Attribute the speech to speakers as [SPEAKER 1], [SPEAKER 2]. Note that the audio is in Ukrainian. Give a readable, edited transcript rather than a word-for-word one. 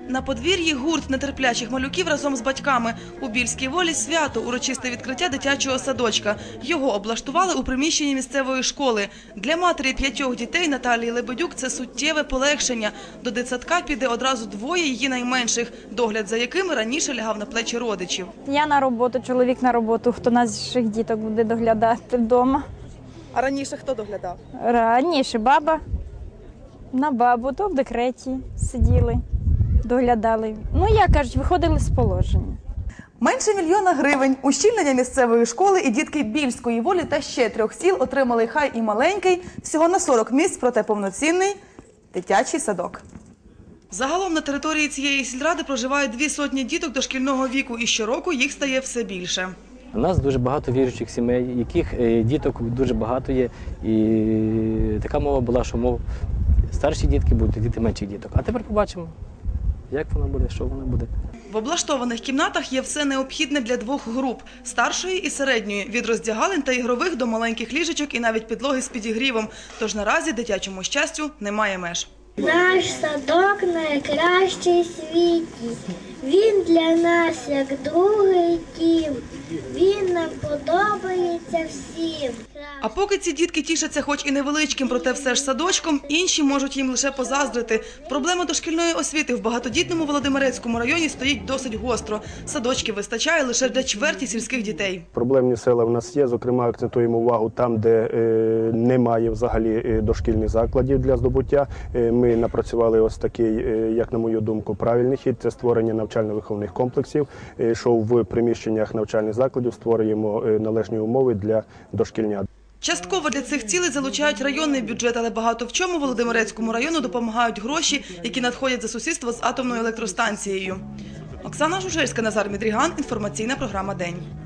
[SPEAKER 1] На подвір'ї гурт нетерплячих малюків разом з батьками. У Більській Волі свято – урочисте відкриття дитячого садочка. Його облаштували у приміщенні місцевої школи. Для матері 5 дітей Наталії Лебедюк це суттєве полегшення. До дитсадка піде одразу 2 її найменших, догляд за якими раніше лягав на плечі родичів.
[SPEAKER 2] Я на роботу, чоловік на роботу, хто наших діток буде доглядати вдома.
[SPEAKER 1] А раніше хто доглядав?
[SPEAKER 2] Раніше баба, на бабу, то в декреті сиділи, доглядали. Ну, як кажуть, виходили з положення.
[SPEAKER 1] Менше 1 мільйона гривень, ущільнення місцевої школи і дітки Більської Волі та ще 3 сіл отримали хай і маленький, всього на 40 місць, проте повноцінний дитячий садок. Загалом на території цієї сільради проживають 200 діток дошкільного віку, і щороку їх стає все більше.
[SPEAKER 3] У нас дуже багато віруючих сімей, яких діток дуже багато є. І така мова була, що старші дітки будуть, діти менших діток. А тепер побачимо, як воно буде, що воно буде.
[SPEAKER 1] В облаштованих кімнатах є все необхідне для 2 груп – старшої і середньої, від роздягалень та ігрових до маленьких ліжечок і навіть підлоги з підігрівом. Тож наразі дитячому щастю немає меж.
[SPEAKER 4] Наш садок найкращий в світі. Він для нас як другий дім. Він нам подобається всім.
[SPEAKER 1] А поки ці дітки тішаться хоч і невеличким, проте все ж садочком, інші можуть їм лише позаздрити. Проблема дошкільної освіти в багатодітному Володимирецькому районі стоїть досить гостро. Садочків вистачає лише для чверті сільських дітей.
[SPEAKER 5] Проблемні села в нас є, зокрема акцентуємо увагу там, де немає взагалі дошкільних закладів для здобуття. Ми напрацювали ось такий, як на мою думку, правильний хід – це створення навчально-виховних комплексів, що в приміщеннях навчальних закладів створюємо належні умови для дошкільнят.
[SPEAKER 1] Частково для цих цілей залучають районний бюджет, але багато в чому Володимирецькому району допомагають гроші, які надходять за сусідство з атомною електростанцією. Оксана Жужельська, Назар Мідріган. Інформаційна програма «День».